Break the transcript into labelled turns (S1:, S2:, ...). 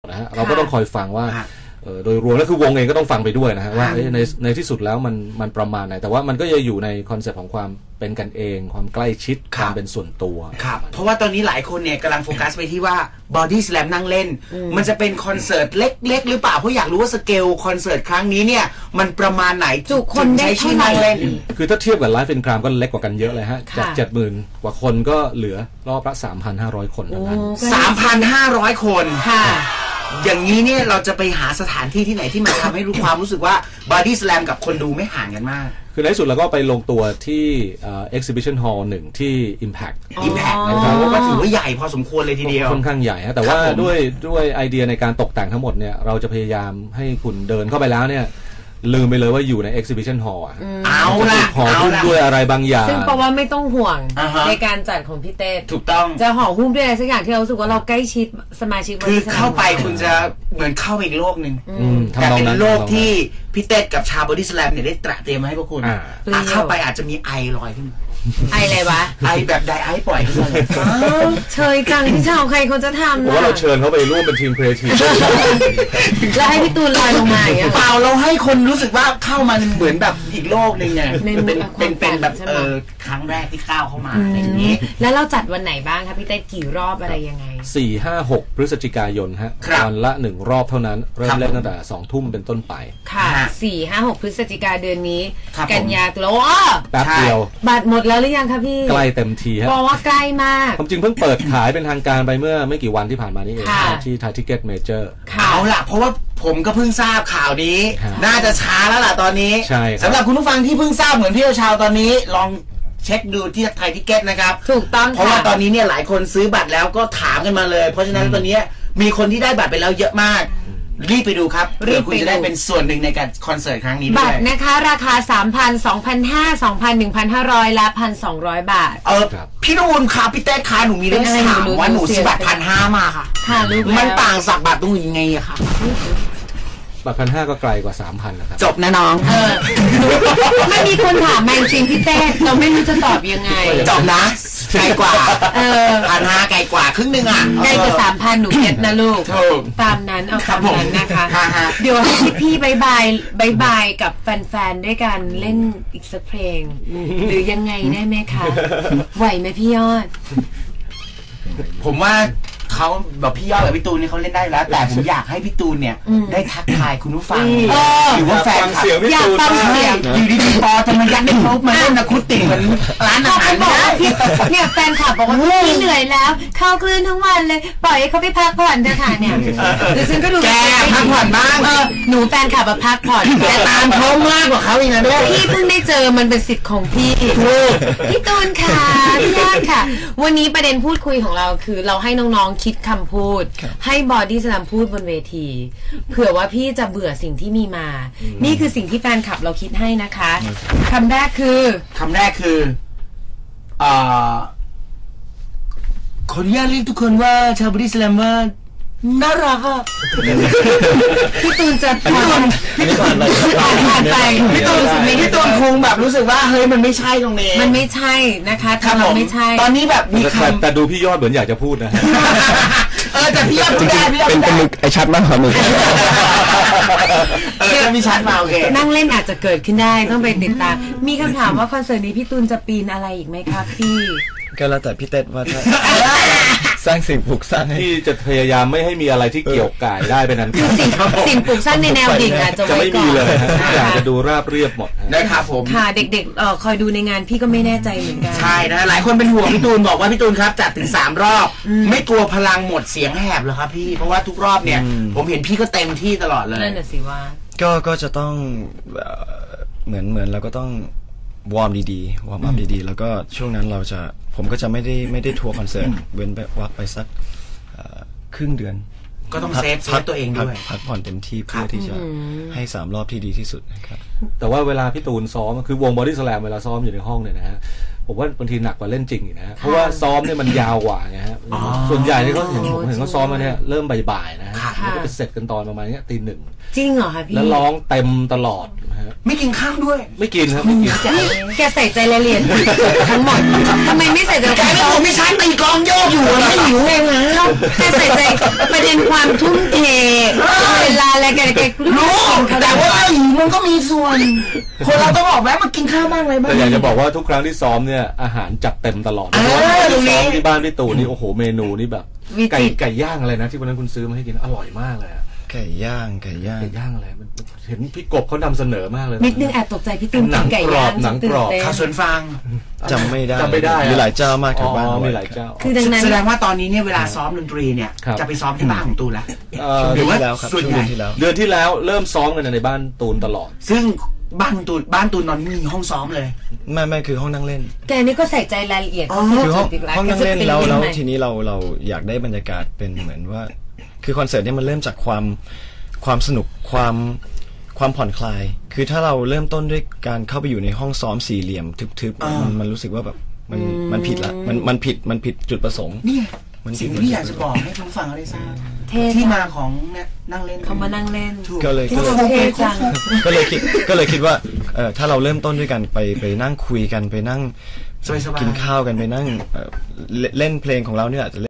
S1: นะฮะเราก็ต้องคอยฟังว่าโดยรวมแล้วคือวงเองก็ต้องฟังไปด้วยนะฮะว่าในที่สุดแล้วมันประมาณไหนแต่ว่ามันก็จะอยู่ในคอนเซ็ปต์ของความเป็นกันเองความใกล้ชิดความเป็นส่วนตัว
S2: ครับเพราะว่าตอนนี้หลายคนเนี่ยกำลังโฟกัสไปที่ว่า Body Slam นั่งเล่นมันจะเป็นคอนเสิร์ตเล็กๆหรือเปล่าเพราะอยากรู้ว่าสเกลคอนเสิร์ตครั้งนี้เนี่ยมันประมาณไหน
S3: จุคนได้เท่าไหร่
S1: คือถ้าเทียบกับไลฟ์เป็นกรามก็เล็กกว่ากันเยอะเลยฮะจาก 70,000 กว่าคนก็เหลือรอบละ 3,500 คนเท่านั้น
S2: 3,500 คนค่ะอย่างนี้เนี่ยเราจะไปหาสถานที่ที่ไหนที่มันทำให้รู้ความรู้สึกว่า Body Slam กับคนดูไม่ห่างกันมาก
S1: คือในที่สุดเราก็ไปลงตัวที่Exhibition Hall 1ที่ Impact
S2: นะครับว่าถือว่าใหญ่พอสมควรเลยทีเดียว
S1: ค่อนข้างใหญ่ฮะแต่ว่าด้วยไอเดียในการตกแต่งทั้งหมดเนี่ยเราจะพยายามให้คุณเดินเข้าไปแล้วเนี่ยลืมไปเลยว่าอยู่ใน Exhibition Hall
S2: เอาล่ะ
S1: ห่อหุ้มด้วยอะไรบางอย่าง
S3: ซึ่งแปลว่าไม่ต้องห่วงในการจัดของพี่เต้
S2: ถูกต้อง
S3: จะห่อหุ้มด้วยอะไรสักอย่างที่เรารู้สึกว่าเราใกล้ชิดสมาชิก
S2: คือเข้าไปคุณจะเหมือนเข้าอีกโลกหนึ่งแต่เป็นโลกที่พี่เต้กับชาว Body Slam เนี่ยได้เตรียมมาให้พวกคุณเข้าไปอาจจะมีไอลอยขึ้น
S3: ไออะไรวะ
S2: ไอแบบไดไอปล่อยขึ้นมา
S3: เชยจังที่ชาวใครเขาจะทำ
S1: เพราะว่าเราเชิญเขาไปร่วมเป็นทีมครีเอทีฟ
S3: แล้วให้พี่ตูนลอยลงมาอย่างเงี้ย
S2: เปล่าเราให้คนรู้สึกว่าเข้ามาเหมือนแบบอีกโลกนึงไงเป็นแบบครั้งแรกที่ก้าวเข้ามาอย่างนี้
S3: แล้วเราจัดวันไหนบ้างครับพี่เต้กี่รอบอะไรยังไง
S1: 4, 5, 6 พฤศจิกายนฮะวันละ1รอบเท่านั้นเริ่มเล่นตั้งแต่20 ทุ่มเป็นต้นไป
S3: ค่ะ4, 5, 6 พฤศจิกายนเดือนนี้กันยาตุลา
S1: แป๊บเดียว
S3: บัตรหมดแล้วหรือยังคะพี่
S1: ใกล้เต็มทีฮะ
S3: บอกว่าใกล้มาก
S1: ความจริงเพิ่งเปิดขายเป็นทางการไปเมื่อไม่กี่วันที่ผ่านมานี้เองที่ไทยทิกเก็ตเมเจอร์
S2: เอาล่ะเพราะว่าผมก็เพิ่งทราบข่าวนี้น่าจะช้าแล้วล่ะตอนนี้สำหรับคุณผู้ฟังที่เพิ่งทราบเหมือนพี่ชาวตอนนี้ลองเช็คดูที่ไทยทิกเก็ตนะครับ
S3: ถูกต้อง
S2: เพราะว่าตอนนี้เนี่ยหลายคนซื้อบัตรแล้วก็ถามกันมาเลยเพราะฉะนั้นตอนนี้มีคนที่ได้บัตรไปแล้วเยอะมากรีบไปดูครับเพื่อคุณจะได้เป็นส่วนหนึ่งในการคอนเสิร์ตครั้งนี้ด้วย
S3: บัตรนะคะราคา 3,000 2,500 2,1,500 และ 1,200 บาท
S2: พี่นูนค่ะพี่เต้ค่ะหนูมีเรื่องถามว่าหนูซื้อบัตร 1,500 มาค่ะมันต่างจากบัตรตรงยังไงอะคะ
S1: บัตร 1,500 ก็ไกลกว่า 3,000 นะครับ
S2: จบนะน้อง
S3: ไม่มีคนถามแมงจริงพี่เต้เราไม่รู้จะตอบยังไง
S2: จบนะไกลกว่า1,500ไกลกว่าครึ่งนึงอ่ะ
S3: ไกลกว่า 3,000 หนูเก็ตนะลูกตามนั้นเอาตามนั้นนะคะเดี๋ยวให้พี่บายบายกับแฟนๆด้วยกันเล่นอีกสักเพลงหรือยังไงได้ไหมคะไหวไหมพี่ยอด
S2: ผมว่าเขาแบบพี่ยอดกับพี่ตูนนี่เขาเล่นได้แล้วแต่ผมอยากให้พี่ตูนเนี่ยได้ทักทายคุณผู้ฟังหรือว่าแฟน
S1: เสียงพี่ตูน
S2: อยู่ดีๆพอจะมายัดไม่ครบมาเล่นอะคูติกเหมือนร้านอาหาร
S3: นะเนี่ยแฟนคลับบอกว่าพี่เหนื่อยแล้วเข้าคลื่นทั้งวันเลยปล่อยให้เขาไปพักผ่อนเถอะค่ะเนี่ยดิฉันก็ดู
S2: แกพักผ่อนบ้าง
S3: หนูแฟนคลับมาพักผ่อน
S2: แต่ตามเขามากกว่าเขาอีกนะด้วย
S3: พี่เพิ่งได้เจอมันเป็นสิทธิ์ของพี่พี่ตูนค่ะพี่ยอดค่ะวันนี้ประเด็นพูดคุยของเราคือเราให้น้องๆคิดคำพูดให้บอดี้สแลมพูดบนเวทีเผื่อว่าพี่จะเบื่อสิ่งที่มีมานี่คือสิ่งที่แฟนคลับเราคิดให้นะคะคำแรกคือ
S2: ขออนุญาตเรียกทุกคนว่าชาวบอดี้สแลมว่าน่ารักอ่ะ
S3: พี่ตูนจะผ่านไป
S2: พี่ตูนคงแบบรู้สึกว่าเฮ้ยมันไม่ใช่ตรงนี้
S3: มันไม่ใช่นะคะทำเราไม่ใช่
S2: ตอนนี้แบบมีคำ
S1: แต่ดูพี่ยอดเหมือนอยากจะพูดนะ
S2: แต่พี่ยอดพูดได้
S4: เป็นมึกไอชัดมากครับมึก
S2: จะมีชัดมาโอเค
S3: นั่งเล่นอาจจะเกิดขึ้นได้ต้องไปติดตามมีคำถามว่าคอนเสิร์ตนี้พี่ตูนจะปีนอะไรอีกไหมครับพี่
S4: ก็แล้วแต่พี่เต้ว่าถ้าสร้างสิ่งปลูกสร้าง
S1: ที่จะพยายามไม่ให้มีอะไรที่เกี่ยวก่ายได้เป็นนั้น
S3: สิ่งปลูกสร้างในแนวดิ่งอาจจะ
S1: ไม่มีเลยอยากจะดูราบเรียบหมด
S2: นะครับผม
S3: ค่ะเด็กๆคอยดูในงานพี่ก็ไม่แน่ใจเหมือนกัน
S2: ใช่นะหลายคนเป็นห่วงพี่ตูนบอกว่าพี่ตูนครับจัดถึง3 รอบไม่กลัวพลังหมดเสียงแหบเหรอครับพี่เพราะว่าทุกรอบเนี่ยผมเห็นพี่ก็เต็มที่ตลอดเลย
S3: นั่นน่ะสิว่า
S4: ก็จะต้องเหมือนเราก็ต้องวอร์มดีๆวอร์มอัพดีๆแล้วก็ช่วงนั้นผมก็จะไม่ได้ทัวร์คอนเสิร์ตเว้นไปสักครึ่งเดือน
S2: ก็ต้องเซฟตัวเองด้วย
S4: พักผ่อนเต็มที่เพื่อที่จะให้3 รอบที่ดีที่สุดนะครับ
S1: แต่ว่าเวลาพี่ตูนซ้อมคือวงบอดี้สแลมเวลาซ้อมอยู่ในห้องเนี่ยนะฮะผมว่าบางทีหนักกว่าเล่นจริงอีกนะฮะเพราะว่าซ้อมเนี่ยมันยาวกว่าไงฮะส่วนใหญ่ที่เขาผมเห็นเขาซ้อมมาเนี่ยเริ่มบ่ายๆนะฮะแล้วก็ไปเสร็จกันตอนประมาณเนี้ยตี 1
S3: จริงเหรอคะพี่
S1: แล้วร้องเต็มตลอดนะฮะ
S2: ไม่กินข้าวด้วย
S1: ไม่กินครับไม่กิน
S3: แกใส่ใจรายละเอียดทั้งหมดทำไมไม่ใส่ใจ
S2: แกไม่ผมไม่ใช่ตีกลองโยกอยู่ไม่หิวเองนะ
S3: แกใส่ใจประเด็นความทุ่มเทเวลาอะไรแก
S2: รู้
S3: รู้
S2: แต่ว่าหิวมันก็มีส่วน คนเราต้องออกแวะมากินข้าวบ้างอะไรบ้าง
S1: แต่อยากจะบอกว่าทุกครั้งที่ซ้อมเนี่ยอาหารจัดเต็มตลอดเพราะว่าซ้อมที่บ้านพี่ตู่นี่โอ้โหเมนูนี่แบบไก่ย่างอะไรนะที่วันนั้นคุณซื้อมาให้กินอร่อยมากเลยอะ
S4: ไก่ย่างไก่ย่าง
S1: ไก่ย่างอะไรมันเห็นพี่กบเขานำเสนอมากเลย
S3: นิดนึงแอบตกใจพี่ตุ้ม
S1: หนัง
S3: ไก่
S1: กร
S3: ย่า
S1: อง บหนังกรอบ
S2: ข้าวสวนฟาง
S4: จำไม่ได้
S1: จำไม่ได้
S4: มีหลายเจ้ามากแถวบ้าน
S1: มีหลายเจ้า
S3: คือดังนั้น
S2: แสดงว่าตอนนี้เนี่ยเวลาซ้อมดนตรีเนี่ย
S1: ครับ
S2: จะไปซ้อมที่บ้านของตูนแล้ว
S4: เดือนที่แล้วครับ
S2: ส่วน
S4: ช่วง
S2: ใหญ่
S4: เดือนที่แล้ว
S1: เดือนที่แล้วเริ่มซ้อมกันในบ้านตูนตลอด
S2: ซึ่งบ้านตูนนอนมีห้องซ้อมเลย
S4: ไม่คือห้องนั่งเล่น
S3: แกนี่ก็ใส่ใจรายละเอียด
S4: คือห้องนั่งเล่นแล้ว
S3: แล้
S4: ทีนี้เราอยากได้บรรยากาศเป็นเหมือนว่า คือคอนเสิร์ตเนี่ยมันเริ่มจากความสนุกความผ่อนคลาย คือถ้าเราเริ่มต้นด้วยการเข้าไปอยู่ในห้องซ้อมสี่เหลี่ยมทึบๆมันรู้สึกว่าแบบมันผิดละมันผิดจุดประสงค์
S2: นี่
S4: มันผิ
S2: สิ่
S4: ด
S2: งที่อยากจะบอกให้ผู้ฟังเขาได้ทราบ
S3: เท่
S2: ที่มาของเนี่ยนั่งเล่น
S3: เขามานั่งเล่น
S2: ถูก
S4: ก็เลย
S3: เท่จัง
S4: ก็เลยคิดว่าถ้าเราเริ่มต้นด้วยกันไปนั่งคุยกันไปนั่ง
S2: สบายๆ
S4: กินข้าวกันไปนั่งเล่นเพลงของเราเนี่ยอาจจะ